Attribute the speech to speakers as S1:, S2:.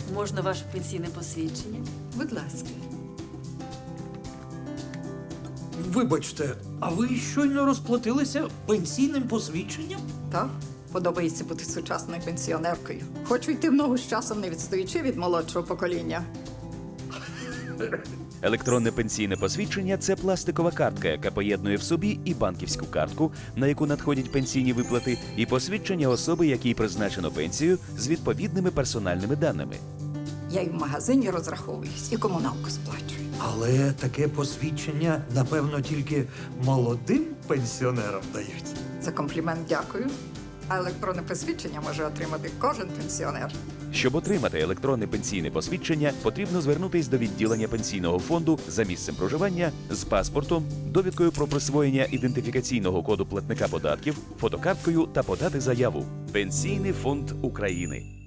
S1: Можна ваше пенсійне посвідчення?
S2: Будь ласка.
S3: Вибачте, а ви щойно розплатилися пенсійним посвідченням?
S2: Так, подобається бути сучасною пенсіонеркою. Хочу йти в ногу з часом, не відстаючи від молодшого покоління.
S4: Електронне пенсійне посвідчення – це пластикова картка, яка поєднує в собі і банківську картку, на яку надходять пенсійні виплати, і посвідчення особи, якій призначено пенсію, з відповідними персональними даними.
S2: Я і в магазині розраховуюсь, і комуналку сплачую.
S3: Але таке посвідчення, напевно, тільки молодим пенсіонерам дають.
S2: За комплімент дякую. А електронне посвідчення може отримати кожен пенсіонер.
S4: Щоб отримати електронне пенсійне посвідчення, потрібно звернутись до відділення пенсійного фонду за місцем проживання з паспортом, довідкою про присвоєння ідентифікаційного коду платника податків, фотокарткою та подати заяву. Пенсійний фонд України.